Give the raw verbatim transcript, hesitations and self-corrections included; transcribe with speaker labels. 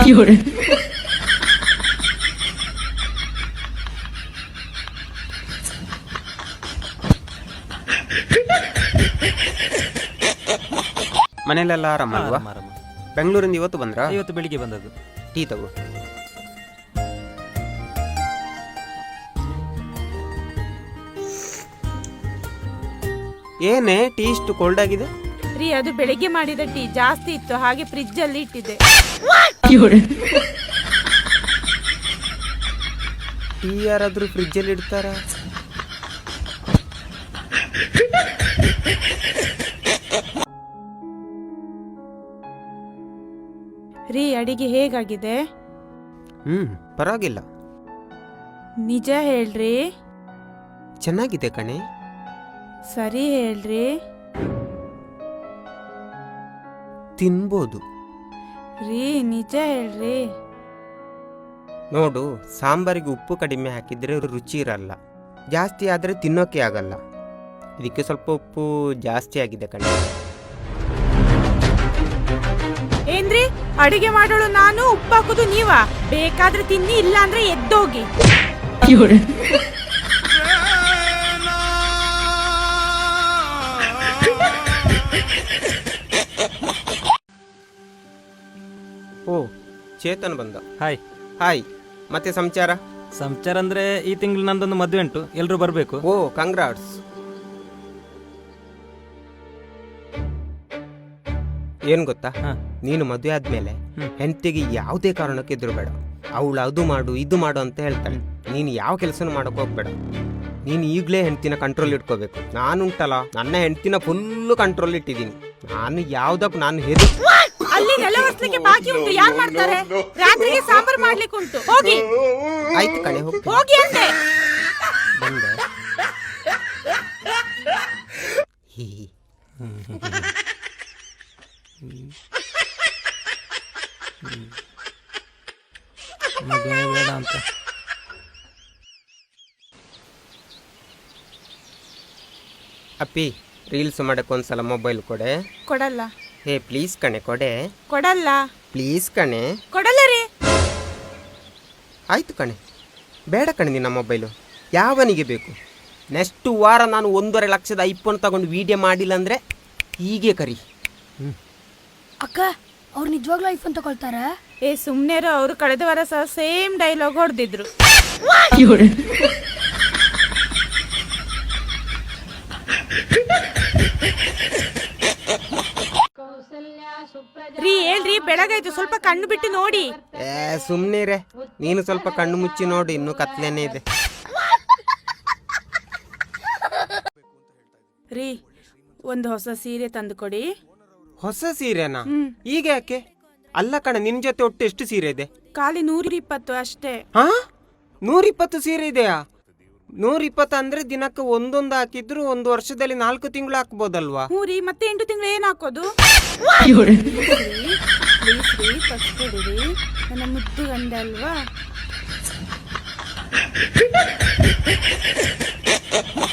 Speaker 1: ಮನೇಲೆಲ್ಲ ಆರಾಮಲ್ವಾ? ಬೆಂಗಳೂರಿಂದ ಇವತ್ತು ಬಂದ್ರಾ?
Speaker 2: ಇವತ್ತು ಬೆಳಿಗ್ಗೆ ಬಂದದ್ದು.
Speaker 1: ಟೀ ತಗೋ. ಏನೇ ಟೀ ಇಷ್ಟು ಕೋಲ್ಡ್ ಆಗಿದೆ?
Speaker 3: ರೀ ಅದು ಬೆಳಿಗ್ಗೆ ಮಾಡಿದ ಟೀ ಜಾಸ್ತಿ ಇತ್ತು, ಹಾಗೆ ಫ್ರಿಡ್ಜ್ ಅಲ್ಲಿ ಇಟ್ಟಿದೆ.
Speaker 1: ಟೀ ಯಾರಾದ್ರೂ ಫ್ರಿಡ್ಜ್ ಅಲ್ಲಿ ಇಡ್ತಾರ?
Speaker 3: ರೀ ಅಡಿಗೆ ಹೇಗಾಗಿದೆ?
Speaker 1: ಹ್ಮ್ ಪರವಾಗಿಲ್ಲ.
Speaker 3: ನಿಜ ಹೇಳ್ರಿ.
Speaker 1: ಚೆನ್ನಾಗಿದೆ ಕಣೆ.
Speaker 3: ಸರಿ ಹೇಳ್ರಿ.
Speaker 1: ತಿನ್ಬೋದು.
Speaker 3: ರೀ ನಿಜ ಹೇಳ್ರಿ.
Speaker 1: ನೋಡು, ಸಾಂಬಾರಿಗೆ ಉಪ್ಪು ಕಡಿಮೆ ಹಾಕಿದ್ರೆ ರುಚಿ ಇರಲ್ಲ, ಜಾಸ್ತಿ ಆದ್ರೆ ತಿನ್ನೋಕೆ ಆಗಲ್ಲ. ಇದಕ್ಕೆ ಸ್ವಲ್ಪ ಉಪ್ಪು ಜಾಸ್ತಿ ಆಗಿದೆ ಕಣೆ.
Speaker 3: ಏನ್ರಿ ಅಡಿಗೆ ಮಾಡೋಳು ನಾನು, ಉಪ್ಪು ಹಾಕುದು ನೀವಾ? ಬೇಕಾದ್ರೆ ತಿನ್ನಿ, ಇಲ್ಲ ಅಂದ್ರೆ ಎದ್ದೋಗಿ.
Speaker 1: ಓ ಚೇತನ್ ಬಂದ.
Speaker 2: ಹಾಯ್.
Speaker 1: ಹಾಯ್. ಮತ್ತೆ ಸಂಚಾರ?
Speaker 2: ಸಂಚಾರ ಅಂದ್ರೆ ಈ ತಿಂಗಳು ನಂದೊಂದು ಮದುವೆ ಉಂಟು, ಎಲ್ರು ಬರ್ಬೇಕು.
Speaker 1: ಓ ಕಂಗ್ರಾಟ್ಸ್. ಏನ್ ಗೊತ್ತಾ, ನೀನು ಮದುವೆ ಆದ್ಮೇಲೆ ಹೆಂಡತಿಗೆ ಯಾವುದೇ ಕಾರಣಕ್ಕೆ ಎದುರು ಬೇಡ. ಅವಳು ಅದು ಮಾಡು ಇದು ಮಾಡು ಅಂತ ಹೇಳ್ತಾಳೆ. ನೀನು ಯಾವ ಕೆಲಸನೂ ಮಾಡಕ್ ಹೋಗ್ಬೇಡ. ನೀನು ಈಗಲೇ ಹೆಂಡತಿನ ಕಂಟ್ರೋಲ್ ಇಟ್ಕೋಬೇಕು. ನಾನುಂಟಲ್ಲ, ನನ್ನ ಹೆಂಡತಿನ ಫುಲ್ಲು ಕಂಟ್ರೋಲ್ ಇಟ್ಟಿದ್ದೀನಿ. ನಾನು ಯಾವ್ದಕ್ಕೂ ನಾನು ಹೆರು
Speaker 3: ಅಲ್ಲಿ ನೆಲ ಒರೆಸ್ಲಿಕ್ಕೆ ಬಾಕಿ ಉಂಟು, ಯಾರು ಮಾಡ್ತಾರೆ? ರಾತ್ರಿಗೆ ಸಾಂಬಾರ್ ಮಾಡ್ಲಿಕ್ಕೆ ಉಂಟು, ಹೋಗಿ.
Speaker 1: ಆಯ್ತು ಕಣೆ, ಹೋಗಿ
Speaker 3: ಹೋಗಿ ಅಂತೆ.
Speaker 1: ಬಂದೆ.
Speaker 2: ಮದುವೆ ಬೇಡ ಅಂತ.
Speaker 1: ಅಪ್ಪಿ, ರೀಲ್ಸ್ ಮಾಡಕ್ಕೆ ಒಂದ್ಸಲ ಮೊಬೈಲ್ ಕೊಡೆ.
Speaker 3: ಕೊಡಲ್ಲ.
Speaker 1: ಹೇ ಪ್ಲೀಸ್ ಕಣೆ ಕೊಡೆ.
Speaker 3: ಕೊಡಲ್ಲ.
Speaker 1: ಪ್ಲೀಸ್ ಕಣೆ.
Speaker 3: ಕೊಡಲ್ಲ ರೀ.
Speaker 1: ಆಯ್ತು ಕಣೆ, ಬೇಡ ಕಣೆ ನಿನ್ನ ಮೊಬೈಲು. ಯಾವನಿಗೆ ಬೇಕು? ನೆಕ್ಸ್ಟ್ ವಾರ ನಾನು ಒಂದೂವರೆ ಲಕ್ಷದ ಐಫೋನ್ ತಗೊಂಡು ವಿಡಿಯೋ ಮಾಡಿಲ್ಲ ಅಂದ್ರೆ ಹೀಗೆ ಕರಿ.
Speaker 4: ಅಕ್ಕ, ಅವ್ರು ನಿಜವಾಗ್ಲೂ ಐಫೋನ್ ತಗೊಳ್ತಾರ?
Speaker 3: ಏ ಸುಮ್ನೆರು, ಅವರು ಕಳೆದ ವಾರ ಸಹ ಸೇಮ್ ಡೈಲಾಗ್ ಹೊಡೆದಿದ್ರು. ರೀ ಹೇಳ್ರಿ, ಬೆಳಗಾಯ್ತು, ಸ್ವಲ್ಪ ಕಣ್ಣು ಬಿಟ್ಟು ನೋಡಿ.
Speaker 1: ಏ ಸುಮ್ನಿರೆ, ನೀನು ಸ್ವಲ್ಪ ಕಣ್ಣು ಮುಚ್ಚಿ ನೋಡಿ, ಇನ್ನು ಕತ್ಲೇನೆ ಇದೆ.
Speaker 3: ರೀ ಒಂದು ಹೊಸ ಸೀರೆ ತಂದು ಕೊಡಿ.
Speaker 1: ಹೊಸ ಸೀರೆನಾ? ಈಗ ಯಾಕೆ? ಅಲ್ಲ ಕಣೆ, ನಿನ್ ಜೊತೆ ಒಟ್ಟು ಎಷ್ಟು ಸೀರೆ ಇದೆ?
Speaker 3: ಖಾಲಿ ನೂರ ಇಪ್ಪತ್ತು ಅಷ್ಟೇ.
Speaker 1: ಹಾ, ನೂರ ಇಪ್ಪತ್ತು ಸೀರೆ ಇದೆಯಾ? ನೂರ ಇಪ್ಪತ್ತು ಅಂದ್ರೆ ದಿನಕ್ಕೆ ಒಂದೊಂದು ಹಾಕಿದ್ರು ಒಂದು ವರ್ಷದಲ್ಲಿ ನಾಲ್ಕು ತಿಂಗಳು ಹಾಕ್ಬೋದಲ್ವಾ?
Speaker 3: ಹ್ಞೂ ರೀ, ಮತ್ತೆ ಎಂಟು ತಿಂಗಳು ಏನ್ ಹಾಕೋದು? ನನ್ನ ಮುದ್ದು ಗಂಡ ಅಲ್ವಾ?